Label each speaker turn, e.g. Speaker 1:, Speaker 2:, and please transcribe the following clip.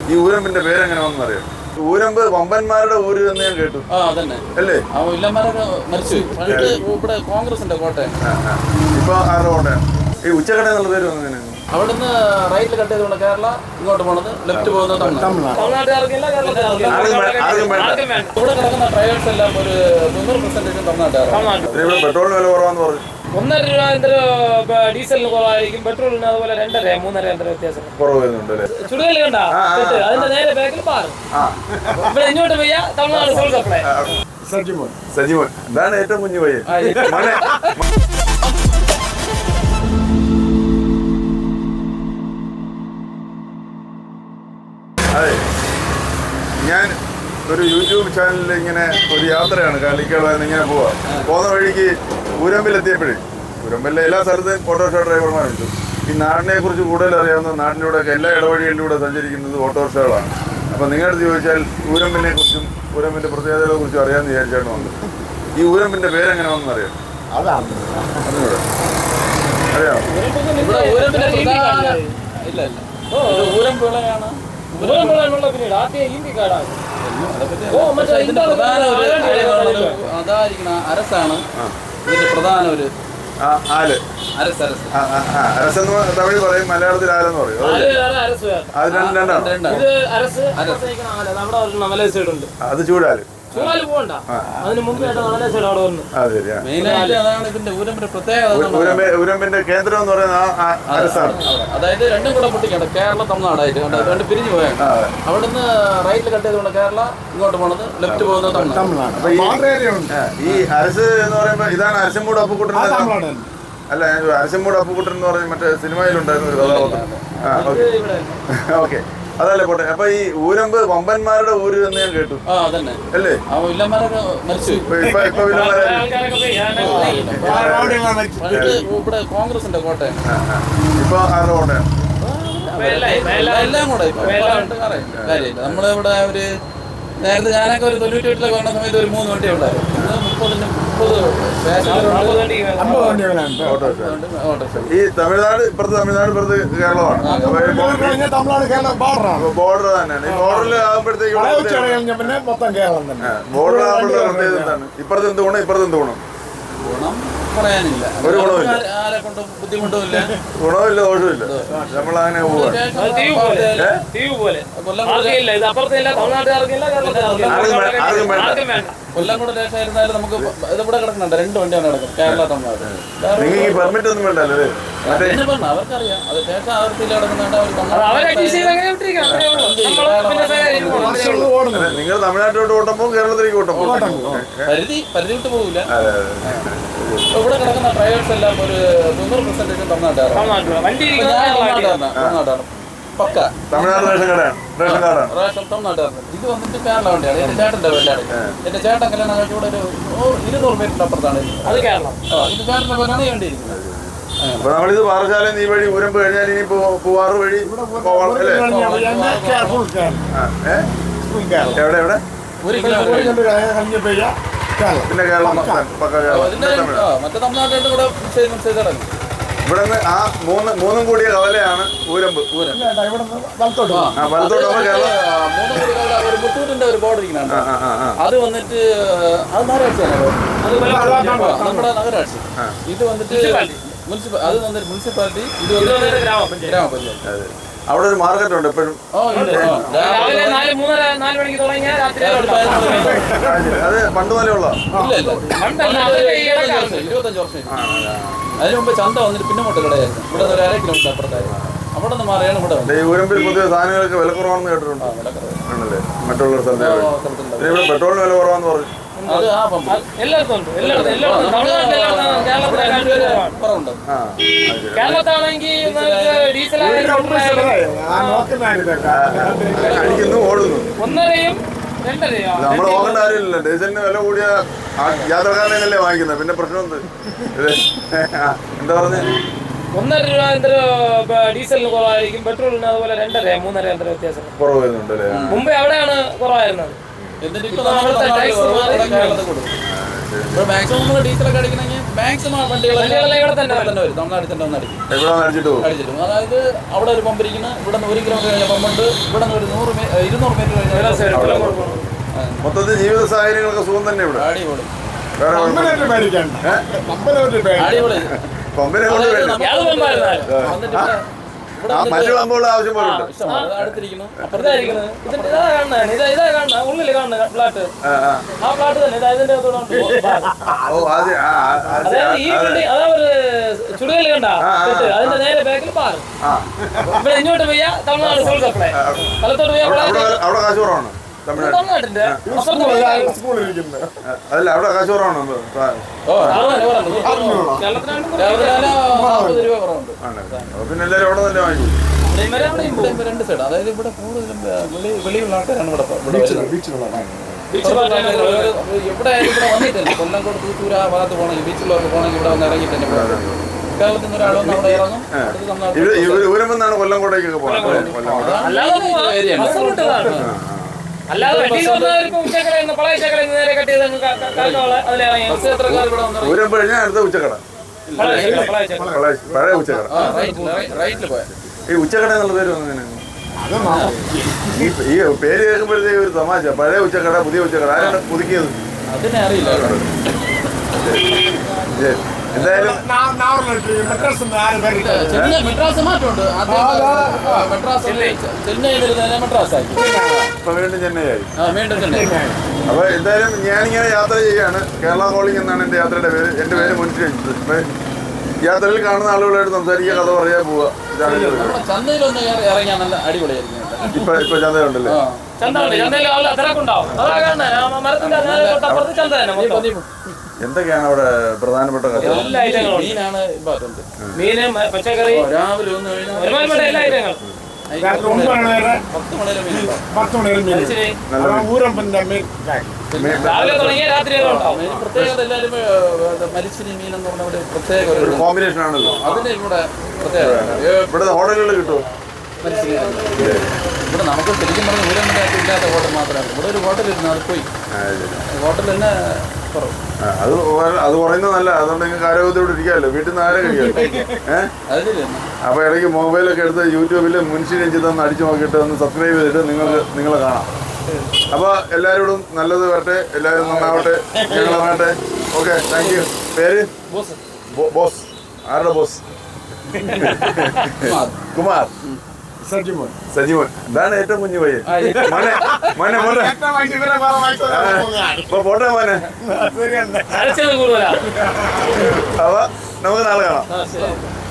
Speaker 1: ഈ ഊരമ്പിന്റെ പേരെങ്ങനെ വന്നു അറിയാം? ഊരമ്പ് വമ്പന്മാരുടെ ഊര് എന്ന് ഞാൻ കേട്ടു. അല്ലേ?
Speaker 2: കോൺഗ്രസിന്റെ കോട്ടയം.
Speaker 1: ഇപ്പൊ ആരുടെ കോട്ടയം? ഈ ഉച്ചക്കട എന്നുള്ള പേര് വന്നതിന്
Speaker 2: അവിടുന്ന് റൈറ്റിൽ കട്ട് ചെയ്തുകൊണ്ട് കേരള, ഇങ്ങോട്ട് പോണത് ലെഫ്റ്റ് പോകുന്നത് ഇവിടെ കിടക്കുന്ന ഡ്രൈവേഴ്സ് എല്ലാം ഒരു 90% തമിഴ്നാട്ടുകാരാണ്.
Speaker 1: പെട്രോളിന് വില കുറവാന്ന് പറഞ്ഞു.
Speaker 3: 1.5 രൂപ ഡീസലിന് കുറവായിരിക്കും, പെട്രോളിന് അതുപോലെ 2.5 3.5 വ്യത്യാസം
Speaker 1: കുറവ് വരുന്നുണ്ട്.
Speaker 3: ചുടുകല്ല് കണ്ട അതിന്റെ നേരെ ബാക്കിൽ പാറും. ഇവിടെ ഇങ്ങോട്ട് പോയാ തമിഴ്നാട് സോൾ സപ്ലൈ.
Speaker 1: സജിമോൻ ഇതാണ് ഏറ്റവും കുഞ്ഞു പയ്യൻ. അതെ, ഞാൻ ഒരു യൂട്യൂബ് ചാനലിൽ ഇങ്ങനെ ഒരു യാത്രയാണ് കാലിക്കടന്ന് ഇങ്ങനെ പോകുന്ന വഴിക്ക് ഊരമ്പിലെത്തിയപ്പോഴേ, ഊരമ്പിലെ എല്ലാ സ്ഥലത്തും ഓട്ടോറിക്ഷ ഡ്രൈവർമാരുണ്ട്. ഈ നാടിനെ കുറിച്ച് കൂടുതൽ അറിയാവുന്ന, നാട്ടിലൂടെയൊക്കെ എല്ലാ ഇടവഴികളിലൂടെ സഞ്ചരിക്കുന്നത് ഓട്ടോറിക്ഷകളാണ്. അപ്പം നിങ്ങളടുത്ത് ചോദിച്ചാൽ ഊരമ്പിനെ കുറിച്ചും ഊരമ്പിന്റെ പ്രത്യേകതകളെ കുറിച്ചും അറിയാമെന്ന് വിചാരിച്ചാണ് വന്നത്. ഈ ഊരമ്പിന്റെ പേരെങ്ങനെ വന്നു അറിയാം? അറിയാം?
Speaker 2: അരസാണ് ഇതിന്റെ പ്രധാന ഒരു
Speaker 1: ആല്. അരസെന്ന് തമിഴ് പറയും, മലയാളത്തിൽ ആലെന്ന് പറയും. അത് രണ്ടാണ്. അത് ചൂടാല്. ഊരമ്പിന്റെ കേന്ദ്രം എന്ന് പറയുന്നത് അരസാണ്.
Speaker 2: അതായത് രണ്ടും കൂടെ പൊട്ടിക്കണ്ട, കേരള തമിഴ്നാടായിട്ട് രണ്ട് പിരിഞ്ഞു പോയാണ്. അവിടുന്ന് റൈറ്റിൽ കട്ട് ചെയ്തുകൊണ്ട് കേരള, ഇങ്ങോട്ട് പോണത് ലെഫ്റ്റ് പോകുന്നത് തമിഴ്നാട്.
Speaker 1: ഈ അരസ് എന്ന് പറയുമ്പോ ഇതാണ് അരശമ്മൂട് അപ്പുക്കുട്ടൻ. അല്ല, അരശമ്മൂട് അപ്പുക്കുട്ടൻ എന്ന് പറഞ്ഞ മറ്റേ സിനിമയിലുണ്ടായിരുന്ന ഒരു കഥാപാത്രം. ഓക്കെ, അതല്ലേ പോട്ടെ. അപ്പൊ ഈ ഊരമ്പ് വമ്പന്മാരുടെ ഊര് എന്ന് ഞാൻ കേട്ടു. അല്ലേ?
Speaker 2: ഇവിടെ കോൺഗ്രസിന്റെ കോട്ടയം.
Speaker 1: ഇപ്പൊ ആരുടെ കോട്ടയം?
Speaker 2: എല്ലാം കൂടെ നമ്മളിവിടെ ഒരു നേരത്തെ ഞാനൊക്കെ ഒരു 98 വന്ന സമയത്ത് ഒരു 3 വണ്ടി ഉണ്ടായിരുന്നു. 30
Speaker 1: ഈ തമിഴ്നാട് ഇപ്പുറത്ത് കേരളമാണ്. ബോർഡർ തന്നെയാണ്. ഈ ബോർഡറിൽ ആകുമ്പോഴത്തേക്ക് ബോർഡർ ആകുമ്പോഴത്തെ പ്രത്യേകത എന്താണ്? ഇപ്പുറത്ത് എന്ത് ഗുണം, ഇപ്പുറത്ത് എന്ത് ഗുണം?
Speaker 2: പറയാനില്ല,
Speaker 1: ഒരു ഗുണമില്ല.
Speaker 2: ആരെ കൊണ്ട് ബുദ്ധിമുട്ടുമില്ല,
Speaker 1: ഗുണമില്ല, ദോഷമില്ല. നമ്മളങ്ങനെ പോവാ.
Speaker 2: കൊല്ലംകോട് ദേശമായിരുന്നാലും നമുക്ക് ഇതിവിടെ കിടക്കുന്നുണ്ട്. 2 വണ്ടിയാണ് കിടക്കുന്നത്, കേരള തമിഴ്നാട്.
Speaker 1: നിങ്ങൾക്ക് ഈ പെർമിറ്റ് ഒന്നും വേണ്ടല്ലേ?
Speaker 2: അവർക്കറിയാം, അത് ദേശം അതിർത്തിയിൽ കിടക്കുന്നുണ്ട്.
Speaker 1: നിങ്ങൾ തമിഴ്നാട്ടിലോട്ട് ഓട്ടമ്പോ കേരളത്തിലേക്ക് ഓട്ടമ്പോ
Speaker 2: പരിധി വിട്ട് പോകില്ല. ഇവിടെ കിടക്കുന്ന ഡ്രൈവേഴ്സ് എല്ലാം ഒരു 90% തമിഴ്നാട്ടുകാരാണ്. പക്ക
Speaker 1: തമിഴ്നാട് റേഷൻ കാർഡാണ്.
Speaker 2: തമിഴ്നാട്ടുകാരാണ്. ഇത് വന്നിട്ട് കേരള വണ്ടിയാണ്. എന്റെ ചേട്ടന്റെ വണ്ടിയാണ്. എന്റെ ചേട്ടൻ കല്യാണം കഴിച്ചുകൂടെ ഒരു 200 മീറ്ററിന്റെ അപ്പുറത്താണ്. അത് കേരളം. ഇത് ചേട്ടന്റെ പേരാണ് ഈ വണ്ടി ഇരിക്കുന്നത്.
Speaker 1: അപ്പൊ നമ്മളിത് പാറശാല ഈ വഴി ഊരമ്പ് കഴിഞ്ഞാൽ ഇനി പൂവാറ് വഴി പോവാം അല്ലേ? എവിടെ പിന്നെ കേരളം പക്ക കേരളം.
Speaker 2: മറ്റേ തമിഴ്നാട്ടിലോട്ട് കൂടെ കിടക്കും.
Speaker 1: ഇവിടെ നിന്ന് ആ മൂന്നും കൂടിയ കവലയാണ് ഊരമ്പ്.
Speaker 2: മുത്തൂറ്റിന്റെ ഒരു ബോർഡർ ഇരിക്കുന്നുണ്ട്. അത് വന്നിട്ട് അത് നഗരാட்சிയാണ്. നമ്മുടെ നഗരാட்சி. ഇത് വന്നിട്ട് മുനിസിപ്പാലിറ്റി. ഇത് വന്നിട്ട് ഗ്രാമപഞ്ചായത്ത്.
Speaker 1: അവിടെ ഒരു മാർക്കറ്റ് ഉണ്ട് എപ്പോഴും. അത് പണ്ട് പോലെ ഉള്ള
Speaker 2: 25 വർഷം. അതിന് മുമ്പ് ചന്ത വന്നിട്ട് പിന്നെ മുട്ട കടയായിരുന്നു. ഇവിടെ ഒരു 1/2 കിലോമീറ്റർ അപ്പുറത്തായിരുന്നു. അവിടെ നിന്ന് മാറിയാണ് ഇവിടെ.
Speaker 1: ഈ ഊരമ്പിൽ പുതിയ സാധനങ്ങൾക്ക് വില കുറവാണെന്ന് കേട്ടിട്ടുണ്ട്. ആണല്ലേ? മറ്റുള്ള സ്ഥലത്ത് ഇവിടെ പെട്രോളിന് വില കുറവാന്ന് പറഞ്ഞു. അടിക്കുന്നു, ഓടുന്നു. നമ്മൾ നോക്കേണ്ട കാര്യമില്ല. ഡീസലിന് വില കൂടിയ യാത്രക്കാരനല്ലേ വാങ്ങിക്കുന്നത്. പിന്നെ പ്രശ്നം എന്താ പറഞ്ഞ?
Speaker 3: 1.5 രൂപ ഡീസലിന് കുറവായിരിക്കും, പെട്രോളിന് അതുപോലെ 2.5 3.5 വ്യത്യാസം
Speaker 1: കുറവ് വരുന്നുണ്ടല്ലേ?
Speaker 3: മുമ്പേ അവിടെയാണ് കുറവായിരുന്നത്.
Speaker 2: എന്നിട്ട് ഇപ്പോൾ മാക്സിമം നമ്മൾ ഡീസലൊക്കെ അടിക്കണമെങ്കിൽ മാക്സിമം വണ്ടികളെല്ലാം ഇവിടെ തന്നെ വരും. തമിഴ്നാട്ടിൽ തന്നെ വന്ന് അടിക്കും.
Speaker 1: എവിടെ അടിച്ചിട്ട് പോകും?
Speaker 2: അടിച്ചിട്ടും അതായത് അവിടെ ഒരു പമ്പ് ഇരിക്കുന്ന ഇവിടെ നിന്ന് 1 കിലോമീറ്റർ കഴിഞ്ഞ പമ്പുണ്ട്. ഇവിടെ നിന്ന് ഒരു 200 മീറ്റർ കഴിഞ്ഞാൽ
Speaker 1: മൊത്തത്തിൽ ജീവിത സാഹചര്യങ്ങളൊക്കെ സുഖം തന്നെ ഇവിടെ.
Speaker 2: അടിപൊളി
Speaker 1: വേറെ
Speaker 2: അടിപൊളി.
Speaker 1: പമ്പിനെ കൊണ്ട് വേണ്ട.
Speaker 2: വന്നിട്ട് ഇവിടെ
Speaker 1: മറ്റു പമ്പുകളുടെ ആവശ്യം പോലെ ഉണ്ട്.
Speaker 2: അടുത്തിരിക്കുന്നു.
Speaker 3: ഇതായിരിക്കുന്നത് ഇതാ കാണുന്നത് ഇതാ കാണുന്നത് ഉള്ളിൽ കാണുന്ന ഫ്ലാറ്റ് ആ ഫ്ലാറ്റ് തന്നെ ഇതാ ഇതിന്റെ
Speaker 1: ഓ അത്
Speaker 3: അതായത് ഈ ബിൽഡിംഗ് അതാ ഒരു ചുടുകല്ല് കണ്ട അതിന്റെ നേരെ ബാക്കിൽ പാറ് ഇവിടെ ഇങ്ങോട്ട് പോയ തമിഴ്നാട് സോൾ സപ്ലൈ സ്ഥലത്തോട്ട് പോയ
Speaker 1: അവിടെ കാശ് കുറവാണ് തമിഴ്നാട്.
Speaker 3: തമിഴ്നാട്ടിന്റെ
Speaker 1: അതല്ല അവിടെ കാശ് കുറവാണ്.
Speaker 3: കേരളത്തിലാണ്
Speaker 2: 40 രൂപ കുറവുണ്ട്.
Speaker 1: പിന്നെ എല്ലാവരും അവിടെ തന്നെ വാങ്ങിക്കും.
Speaker 2: ഇവിടെ 2 സൈഡ് അതായത് ഇവിടെ കൂടുതലും വെളിയുള്ള ആൾക്കാരാണ് ഇവിടെ വരുന്നത്. ഇവിടെ വന്നിട്ടില്ല. കൊല്ലംകോട് തൂത്തൂർ ആ ഭാഗത്ത് പോകണമെങ്കിൽ ബീച്ചിലൊക്കെ പോകണമെങ്കിൽ ഇവിടെ വന്ന് ഇറങ്ങിയിട്ട് തന്നെ കേരളത്തിൽ നിന്ന് ഒരാൾ വന്ന് അവിടെ ഇറങ്ങും.
Speaker 1: ഊരമെന്നാണ് കൊല്ലംകോട്ടേക്കൊക്കെ പോകുന്നത്.
Speaker 3: അല്ലാതെ പളയച്ചക്കര നേരെ കട്ട് ചെയ്ത് അതിലിറങ്ങി
Speaker 1: ഊരം കഴിഞ്ഞാൽ അടുത്ത ഉച്ചക്കട, പഴയ ഉച്ചക്കട. ഈ ഉച്ചക്കട എന്നുള്ള പേര് വന്നതിന് ഈ പേര് കേൾക്കുമ്പോഴത്തേക്ക് ഒരു തമാശ. പഴയ ഉച്ചക്കട, പുതിയ ഉച്ചക്കട, ആരാണ് പുതുക്കിയത്?
Speaker 2: അതിനെ അറിയില്ല.
Speaker 1: എന്തായാലും
Speaker 2: മെഡ്രാസ് മാറ്റമുണ്ട്. ചെന്നൈ മെഡ്രാസ് ആക്കി.
Speaker 1: ഇപ്പൊ വീണ്ടും ചെന്നൈയായി.
Speaker 2: വീണ്ടും ചെന്നൈ.
Speaker 1: അപ്പൊ എന്തായാലും ഞാനിങ്ങനെ യാത്ര ചെയ്യാണ്. കേരള കോളിംഗ് എന്നാണ് എന്റെ യാത്രയുടെ പേര്. എന്റെ പേര് മുൻഷി. യാത്രയിൽ കാണുന്ന ആളുകളായിട്ട് സംസാരിക്കുക, കഥ പറയാൻ പോവുക.
Speaker 2: ചന്തയിലൊന്ന് ഇറങ്ങിയാൽ നല്ല അടിപൊളിയായിരിക്കും.
Speaker 1: ഇപ്പൊ ചന്തയുണ്ടല്ലേ? എന്തൊക്കെയാണ് അവിടെ പ്രധാനപ്പെട്ട കഥ?
Speaker 2: മീനാണ് ഇമ്പോർട്ടന്റ്.
Speaker 3: മീന് പച്ചക്കറി
Speaker 2: രാവിലെ ഒന്ന്
Speaker 3: ഒരുമാതിരിപ്പെട്ട എല്ലാ ഐറ്റങ്ങളും
Speaker 2: 10 മണി
Speaker 3: രാവിലെ തുടങ്ങിയ രാത്രി വരെ ഉണ്ടാവും.
Speaker 2: പ്രത്യേകത എല്ലാവരും മരിച്ചിരി മീൻ എന്ന് പറഞ്ഞ ഒരു പ്രത്യേക
Speaker 1: ഒരു കോമ്പിനേഷൻ ആണല്ലോ.
Speaker 2: അതിന് ഇവിടെ പ്രത്യേകത.
Speaker 1: ഇവിടെ ഹോട്ടലുകളിൽ കിട്ടുമോ?
Speaker 2: ഇവിടെ നമുക്ക് ശരിക്കും പറഞ്ഞ ഊരമ്പലമായിട്ട് ഇല്ലാത്ത ഹോട്ടൽ മാത്രമാണ്. ഇവിടെ ഒരു ഹോട്ടലിരുന്നു, അത് പോയി. ഹോട്ടൽ തന്നെ കുറവ്.
Speaker 1: അത് പറയുന്നത് നല്ല. അതുകൊണ്ട് നിങ്ങൾക്ക് ആരോഗ്യത്തോടെ ഇരിക്കാമല്ലോ. വീട്ടിൽ നിന്ന് ആരെ കഴിക്കാം. അപ്പൊ ഇടയ്ക്ക് മൊബൈലൊക്കെ എടുത്ത് യൂട്യൂബിൽ മുൻഷി രഞ്ജിത്ത് ഒന്ന് അടിച്ചു നോക്കിയിട്ട് ഒന്ന് സബ്സ്ക്രൈബ് ചെയ്തിട്ട് നിങ്ങളെ കാണാം. അപ്പൊ എല്ലാവരോടും നല്ലത് വരട്ടെ, എല്ലാവരും നന്നാവട്ടെ, ഞങ്ങളാവട്ടെ. Okay, thank you. പേര്? ബോസ്. ആരുടെ ബോസ്? കുമാർ. സജിമോൻ. ഇതാണ് ഏറ്റവും കുഞ്ഞു പയ്യൻ. മോനെ പോട്ടെ മോനെ.
Speaker 3: കൂടുതലാണ്.
Speaker 1: അപ്പൊ നമുക്ക് നാളെ കാണാം.